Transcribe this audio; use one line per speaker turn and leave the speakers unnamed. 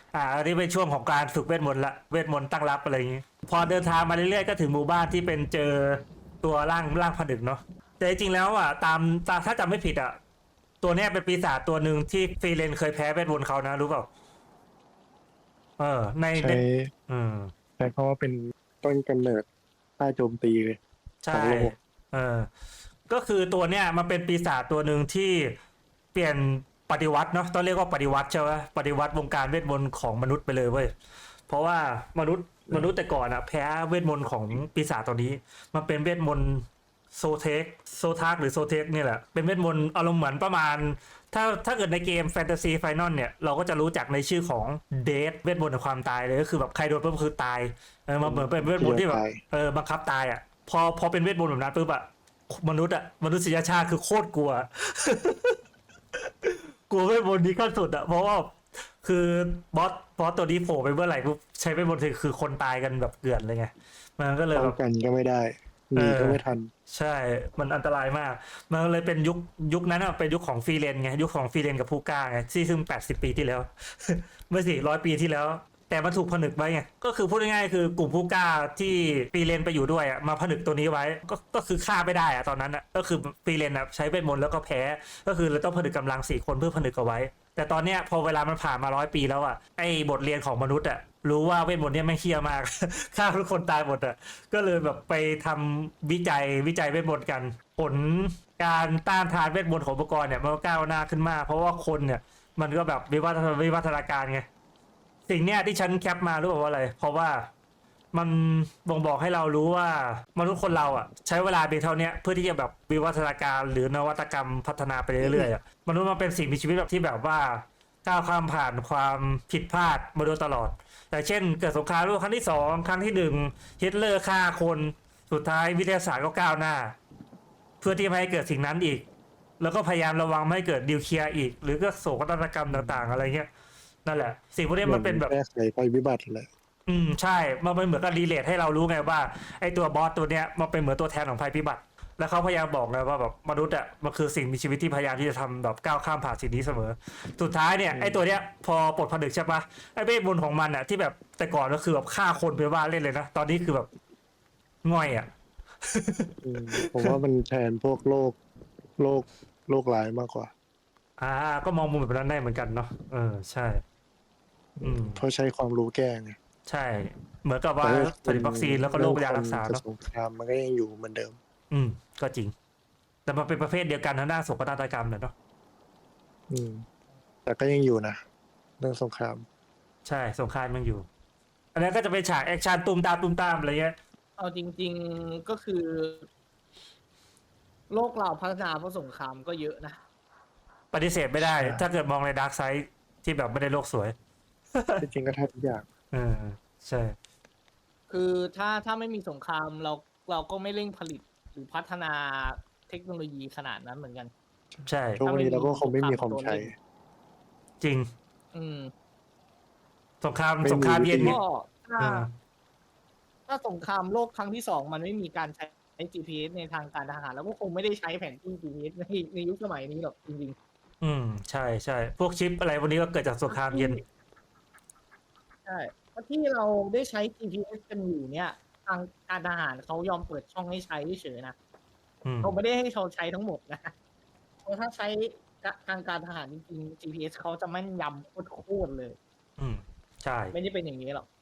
อันนี้เป็นช่วงของการฝึกเวทมนต์ละเวทมนต์ตั้งรับอะไรอย่างงี้พอเดินทางมาเรื่อยๆก็ถึงหมู่บ้านที่เป็นเจอตัวร่างผนึกเนาะแต่จริงๆแล้วตามถ้าจำไม่ผิดตัวเนี้ยเป็นปีศาจตัวหนึ่งที่ฟรีเลนเคยแพ้เวทมนต์เขานะรู้เปล่าใน
ใช้
อืม
ใช้คำว่าเป็นต้นกำเนิดใต้โจมตีเลยข
ใช่
องโลก
เออก็คือตัวเนี้ยมันเป็นปีศาจตัวหนึ่งที่เปลี่ยนปฏิวัติเนาะต้องเรียกว่าปฏิวัติใช่ไหมปฏิวัติวงการเวทมนต์ของมนุษย์ไปเลยเว้ยเพราะว่ามนุษย์แต่ก่อนแพ้เวทมนต์ของปีศาจตัวนี้มันเป็นเวทมนต์โซเทคโซทากหรือโซเทคนี่แหละเป็นเวทมนต์อารมณ์เหมือนประมาณถ้าเกิดในเกมแฟนตาซีไฟนอลเนี่ยเราก็จะรู้จักในชื่อของเดธเวทมนต์แห่งความตายเลยก็คือแบบใครโดนปุ๊บคือตายมันเหมือนเป็นเวทมนต์ที่แบบ
ตาย
บังคับตายพอเป็นเวทมนต์แบบนั้นปุ๊บมนุษยชาติคือโคตรกลัว กลัวเวทมนต์นี้ขั้นสุดเพราะว่าคือบอสตัวนี้โผล่ไปเมื่อไหร่ปุ๊บใช้เวทมนต์คือคนตายกันแบบเกลื่อนเลยไงมันก็เลย
ป้อ
แบบ
งกันก็ไม่ได้ห
เอ
นีก็
อ
ไม่ทัน
ใช่มันอันตรายมากมันเลยเป็นยุคนั้นเป็นยุคของฟรีเลนไงยุคของฟรีเลนกับผู้กล้าไงที่ซึ่ง80 ปีที่แล้วเมื่อ400 ปีที่แล้วแต่มันถูกผนึกไว้ไงก็คือพูดง่ายๆคือกลุ่มผู้กล้าที่ฟรีเลนไปอยู่ด้วยมาผนึกตัวนี้ไว้ก็คือฆ่าไม่ได้ตอนนั้นก็คือฟรีเลนใช้เวทมนต์แล้วก็แพ้ก็คือเราต้องผนึกกำลัง4 คนเพื่อผนึกเอาไว้ แต่ตอนเนี้ยพอเวลามันผ่านมา100 ปีแล้วไอ้บทเรียนของมนุษย์รู้ว่าเวทมนต์เนี้ยไม่งเฮี้ยมาก ฆ่าทุกคนตายหมดก็เลยแบบไปทำวิจัยเวทมนต์กัน ผลการต้านทานเวทมนต์ของอุปกรณ์เนี่ยมันก็ก้าวหน้าขึ้นมากเพราะว่าคนเนี่ยมันก็แบบวิวัฒนาการไงสิ่งเนี้ยที่ฉันแคปมารู้เปล่าว่าอะไรเพราะว่ามันบ่งบอกให้เรารู้ว่ามนุษย์คนเราใช้เวลาเพียงเท่านี้เพื่อที่จะแบบวิวัฒนาการหรือนวัตกรรมพัฒนาไปเรื่อยๆมนุษย์มันเป็นสิ่งมีชีวิตแบบที่แบบว่าก้าวข้ามผ่านความผิดพลาดมาโดยตลอดแต่เช่นเกิดสงครามโลกครั้งที่สองครั้งที่หนึ่งฮิตเลอร์ฆ่าคนสุดท้ายวิทยาศาสตร์ก็ก้าวหน้าเพื่อที่ไม่ให้เกิดสิ่งนั้นอีกแล้วก็พยายามระวังไม่ให้เกิดนิวเคลียร์อีกหรือก็โศกนาฏกรรมต่างๆอะไรเงี้ยนั่นแหละสิ่งพวกนี้
เหมือน
มันเป็นแบบ
แก้ไขภัยพิบัติแหละ
ใช่มันเหมือนกับรีเลทให้เรารู้ไงว่าไอ้ตัวบอสตัวเนี้ยมันเป็นเหมือนตัวแทนของภัยพิบัติแล้วเขาพยายามบอกไงว่าแบบมนุษย์มันคือสิ่งมีชีวิตที่พยายามที่จะทำแบบก้าวข้ามผ่านสิ่งนี้เสมอสุดท้ายเนี่ยไอ้ตัวเนี้ยพอปลดผนึกใช่ปะไอ้เวทมนต์ของมันที่แบบแต่ก่อนก็คือแบบฆ่าคนไปว่าเล่นเลยนะตอนนี้คือแบบง่อย
อืมผมว่ามันแทนพวกโรคโรคร้ายมากกว่า
อ่าก็มองมุมแบบนั้นได้เหมือนกันเนาะใช่
เพราะใช้ความรู้แก้ไง
ใช่เหมือนกับว่า
แต่ถ้า
ผลิตวัคซีนแล้วก็โร
เรื่องคน
คยารักษา
กับ
เนาะ
สงครามมันก็ยังอยู่เหมือนเดิม
อืมก็จริงแต่มันเป็นประเภทเดียวกันทางด้านโศกนาฏกรรมเนาะ
อืมแต่ก็ยังอยู่นะเรื่องสงคราม
ใช่สงครามยังอยู่ อันนั้นก็จะเป็นฉากแอคชั่นตุ้มตามอะไรเงี้ย
เอาจริงๆก็คือโลกเราพัฒนาเพราะสงครามก็เยอะนะ
ปฏิเสธไม่ได้
ใช่
ถ้าเกิดมองในดาร์กไซด์ที่แบบไม่ได้โลกสวย
จริงๆก็แทบทุกอย่าง
เออใช่
คือถ้าไม่มีสงครามเราก็ไม่เร่งผลิตหรือพัฒนาเทคโนโลยีขนาดนั้นเหมือนกัน
ใช่
ทุกวันนี้เราก็คงไม่มีความใช้
จริง
อืม
สงคราม
ไม่มี
สงครามเย็นเนี่ย
ก็ถ้า
เออ
ถ้าสงครามโลกครั้งที่สองมันไม่มีการใช้ GPS ในทางการทหารแล้วก็คงไม่ได้ใช้แผนที่ GPS ในยุคสมัยนี้หรอกจริง
ใช่พวกชิปอะไรพวกนี้ก็เกิดจากสงคราม
ๆ
เย็น
ใช่เพราะที่เราได้ใช้ GPS กันอยู่เนี่ยทางการทหารเขายอมเปิดช่องให้ใช้เฉยๆนะ เขาไม่ได้ให้เราใช้ทั้งหมดนะเพราะถ้าใช้ทางการทหารจริงๆ GPS เขาจะแม่นยำโคตรๆเลย
อืมใช่
ไม่ได้เป็นอย่างนี้หรอก